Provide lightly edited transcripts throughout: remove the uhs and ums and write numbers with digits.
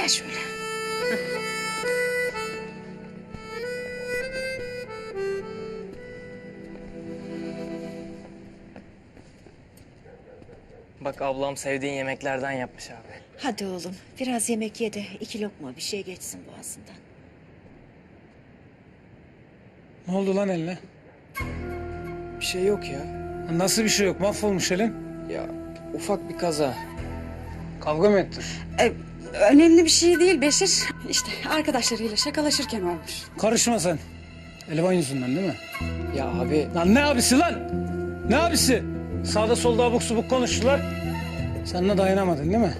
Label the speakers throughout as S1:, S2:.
S1: Gel şöyle.
S2: Bak ablam sevdiğin yemeklerden yapmış abi.
S1: Hadi oğlum biraz yemek ye de 2 lokma bir şey geçsin boğazından.
S3: Ne oldu lan eline?
S2: Bir şey yok ya.
S3: Nasıl bir şey yok? Mahvolmuş elin.
S2: Ya ufak bir kaza.
S3: Kavga mı ettin?
S4: Önemli bir şey değil Beşir. İşte arkadaşlarıyla şakalaşırken olmuş.
S3: Karışma sen. Elvan yüzünden değil mi?
S2: Ya abi
S3: Lan ne abisi lan? Ne abisi? Sağda solda abuk subuk konuştular. Sen de dayanamadın değil mi?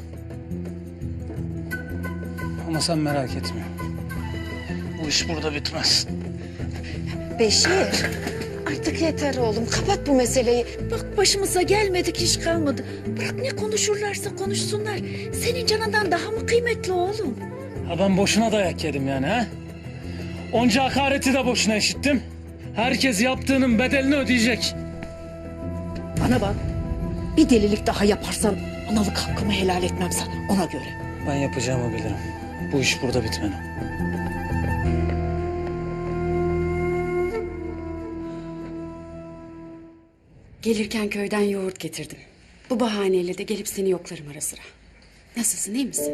S3: Ama sen merak etme. Bu iş burada bitmez.
S1: Beşir artık yeter oğlum kapat bu meseleyi. Bak başımıza gelmedik hiç kalmadı. Bırak ne konuşurlarsa konuşsunlar. Senin canından daha mı kıymetli oğlum?
S3: Ha ben boşuna dayak yedim yani ha? Onca hakareti de boşuna işittim. Herkes yaptığının bedelini ödeyecek.
S1: Bana bak bir delilik daha yaparsan analık hakkımı helal etmem sana ona göre.
S3: Ben yapacağımı bilirim. Bu iş burada bitmeli.
S4: Gelirken köyden yoğurt getirdim. Bu bahaneyle de gelip seni yoklarım ara sıra. Nasılsın, iyi misin?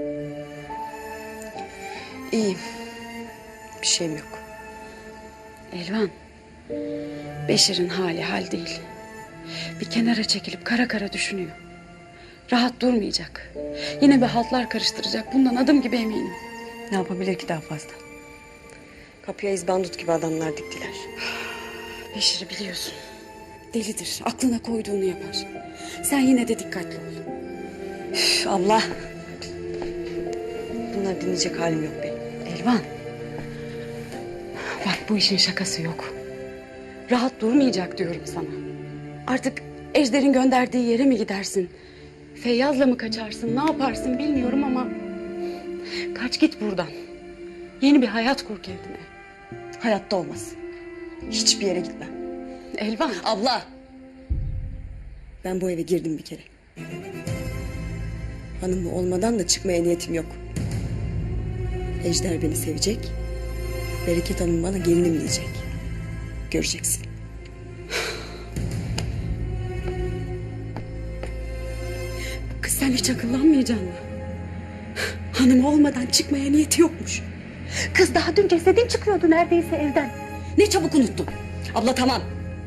S5: İyiyim. Bir şeyim yok.
S4: Elvan, Beşir'in hali hal değil. Bir kenara çekilip kara kara düşünüyor. Rahat durmayacak. Yine bir haltlar karıştıracak. Bundan adım gibi eminim.
S5: Ne yapabilir ki daha fazla? Kapıya izbandut gibi adamlar diktiler.
S4: Beşir'i biliyorsun. Delidir. Aklına koyduğunu yapar. Sen yine de dikkatli ol.
S5: Üf, abla. Bunları dinleyecek halim yok benim.
S4: Elvan. Bak bu işin şakası yok. Rahat durmayacak diyorum sana. Artık Ejder'in gönderdiği yere mi gidersin? Feyyaz'la mı kaçarsın? Ne yaparsın bilmiyorum ama... Kaç git buradan. Yeni bir hayat kur kendine.
S5: Hayatta olmaz. Hiçbir yere gitmem.
S4: Elvan.
S5: Abla. Ben bu eve girdim bir kere. Hanım olmadan da çıkmaya niyetim yok. Ejder beni sevecek. Bereket Hanım bana gelinim diyecek. Göreceksin.
S4: Kız sen hiç akıllanmayacaksın mı? Hanım olmadan çıkmaya niyeti yokmuş. Kız daha dün cesedin çıkıyordu neredeyse evden. Ne çabuk unuttun.
S5: Abla tamam.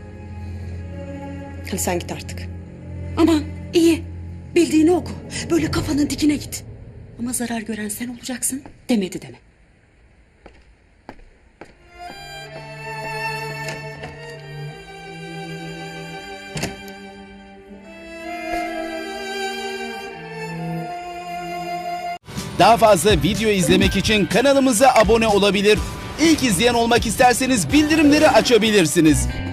S5: Hadi sen git artık.
S4: Aman iyi. Bildiğini oku. Böyle kafanın dikine git. Ama zarar gören sen olacaksın demedi deme.
S6: Daha fazla video izlemek için kanalımıza abone olabilir. İlk izleyen olmak isterseniz bildirimleri açabilirsiniz.